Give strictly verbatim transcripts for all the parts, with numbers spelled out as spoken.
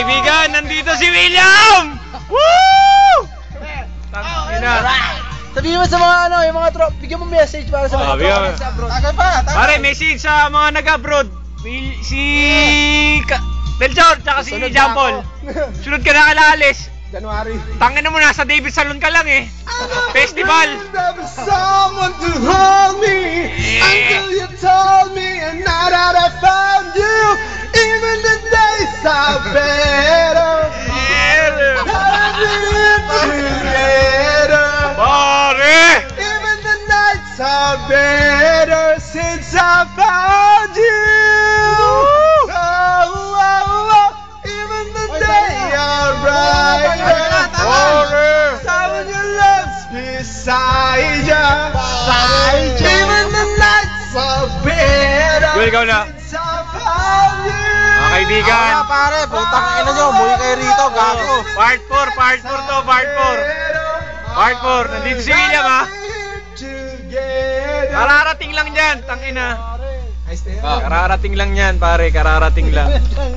kaibigan, nandito si William! Woo! Tangina. Sabihin mo sa mga ano, yung mga trop, bigyan mo message para sa mga tropa sa abroad. Tagay pa, tagay. Pare, message sa mga nag-abroad. Will- Si... Ka- Belchor, tsaka si Sunod na John Paul. Sunod ka na kalalis. January. Tangin na mo, nasa David Salon ka lang eh. Festival. Someone to hold me until you told me, and now that I found you, even the days are better. Together. Pare! Even the nights are better since I found you. Oh, oh, oh. Even the days are brighter. Someone you love's beside you. Even the nights are better Yun, ikaw na. since I found you. Mga kaibigan. Ako na pare, putang ina nyo, umuwi kayo rito, gago. Part four, part four to, part four. Part four, nandito si William ha. Kararating lang dyan, tangina. Kararating lang yan, pare, kararating lang.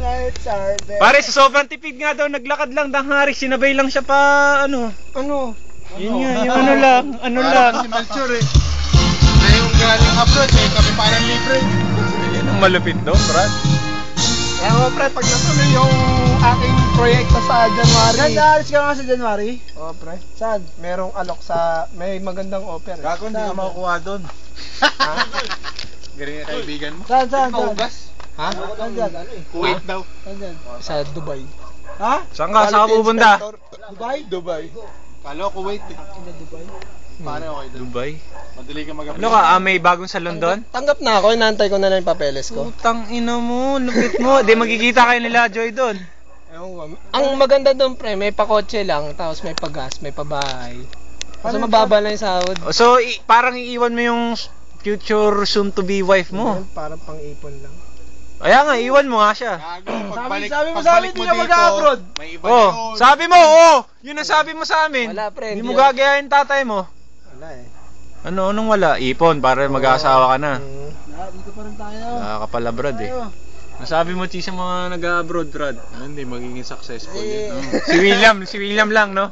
Pare, sa sobrang tipid nga daw, naglakad lang, danghari, sinabay lang siya pa, ano. Ano? Yun nga, yung ano lang, ano lang. Si Melchor eh. Na yung galing abroad eh, kami parang libre. Yan ang malupit doon, Brad. Kaya mo pre, pag natuloy yung aking proyekto sa January. Saan naalis ka nga sa January? Oo pre. Saan? Merong alok sa, may magandang offer. Gago, hindi ka makukuha doon. Ha? Galing na kaibigan mo. Saan, saan, saan? Paugas? Ha? Saan dyan? Kuwait daw. Saan dyan? Sa Dubai. Ha? Saan ka? Saan ka pupunta? Dubai? Dubai. Kalo, Kuwait eh. Ina Dubai? Paano okay doon? Dubai? Madali ka mag-apply. Ano ka, ah, may bagong salon doon? Tanggap na ako, inaantay ko na lang yung papeles ko. Putang ina mo, lupit mo. Di magkikita kayo nila Joy doon. Ang maganda doon pre, may pakotse lang, tapos may pagas, may pabahay. Kasi mababa lang yung sahod. So, i- parang iiwan mo yung future soon-to-be wife mo. Parang pang-ipon lang. Kaya nga, iwan mo nga siya. Gago, Sabi- sabi mo sa amin, di ka mag-a-abroad. May iba Oh, yun. sabi mo, oh! Yun ang sabi mo sa amin. Wala, pre, Hindi hindi mo ako- gagayahin tatay mo. Wala eh. Ano, anong wala? Ipon, para mag-aasawa ka na. Ah, dito pa rin tayo. Nakakapala, Brad eh. Nasabi mo, Chi, sa mga nag-abroad, Brad. Hindi, magiging successful Eh, yun. Si William, si William lang, no?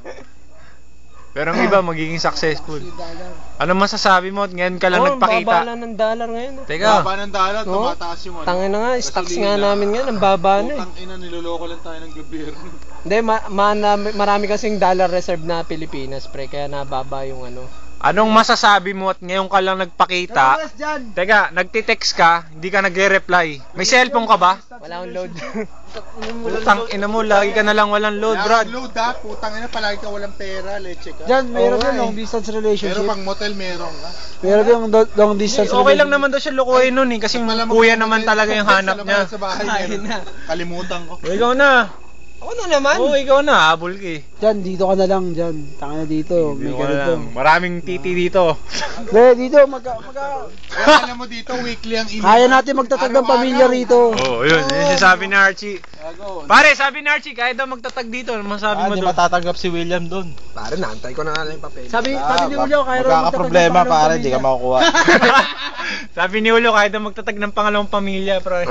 Pero ang iba, magiging successful. Ano masasabi mo at ngayon ka lang oh, nagpakita? baba lang ng dollar ngayon. oh. Teka, Baba ng dollar, Oo. tumataas yung ano. Tangin na nga, stocks nga Gasolina. namin ngayon, ang baba na eh. Putang ina, niloloko lang tayo ng gobyerno. Hindi, ma- ma- na- marami kasing dollar reserve na Pilipinas, pre, kaya nababa yung ano. anong masasabi mo at ngayon ka lang nagpakita? dyan? Teka, nagtitext ka, hindi ka nagre-reply. May cellphone ka ba? Wala akong load. Putang ina mo, lagi ka na lang walang load, Brad. Load ha, putang ina, palagi ka walang pera, leche ka. Dyan, meron Oo din nga long eh. distance Pero relationship. pang motel meron ka. Meron din long distance Okay lang naman daw siya lukuhin nun eh, kasi Malamang kuya sa naman motel, talaga yung sa hanap labas niya. Sa bahay Ay, meron. na. Kalimutan ko. O, ikaw na. Ako na naman. Oo, ikaw na, habol ka eh. Dyan, dito ka na lang, dyan. Taka na dito, may Ikaw na ganito. lang. Maraming titi dito. Be, dito, magka, magka... Kaya alam mo dito, weekly ang email. Kaya natin magtatag ng pamilya rito. Oo, oh, yun. Yun yung sabi ni Archie. Gago. Pare, sabi ni Archie, kaya daw magtatag dito. Ano masabi mo doon? matatanggap si William doon. Pare, naantay ko na nga lang yung papel. Sabi, Ah, sabi ni Julio, kaya raw magkakaproblema, pare, di ka makukuha. Sabi ni Ulo, kaya daw magtatag ng pangalawang pamilya, pare.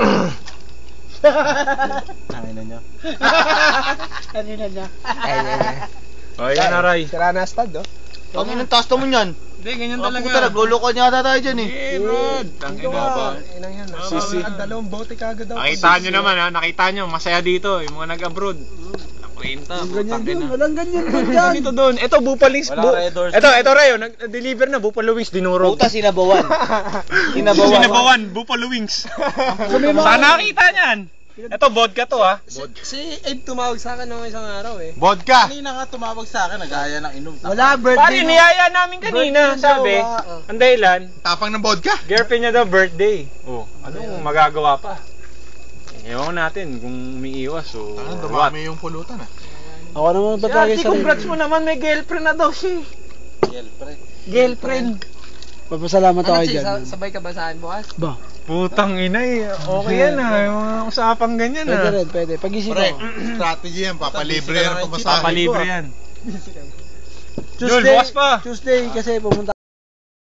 Tangina niya. Kanina niya. Kanina niya. O, yan na, Ray. Sira na stad, oh. Ang inang taas mo niyan. Hindi, ganyan Puta, talaga. nagluloko niya ata tayo dyan eh. Eh, bro. Tangin na ba? Inang yan. Sisi. Ang dalawang bote kagad daw. Nakita nyo naman ha, nakita nyo, masaya dito, yung mga nag-abroad. Walang kwenta, putang ina. Walang ganyan doon dyan. Dito doon, ito Bupalings. Wala Bu Red Doors. ito, ito Rayo, nag-deliver na Buffalo Wings dinurog. Puta, sinabawan. Sinabawan, Buffalo Wings. Sana nakita niyan. Ito vodka to ha. Si, si Abe tumawag sa akin nung isang araw eh. Vodka. Kanina nga tumawag sa akin, nagaya ng inom. Wala, Pare, birthday mo. niyaya namin kanina, Birthday sabi. daw, ah. Ang dahilan, Tapang ng vodka. girlfriend niya daw birthday. Oh, anong magagawa pa? Ewan natin kung umiiwas o Ano, what. dumami yung pulutan ah. Ako naman Si patagay Archie, sa congrats mo naman, may girlfriend na daw siya. Girlfriend. Girlfriend. Papasalamat ako Ano, Chi, dyan. sa- sabay ka ba saan bukas? Ba? Putang ina eh. Okay yan ah. Yung mga usapang ganyan Pwede ah. rin, pwede. Pag-isip Pre, ako. strategy yan, papalibre yan ang pamasahe. Papalibre yan. Tuesday, bukas pa. Tuesday kasi pumunta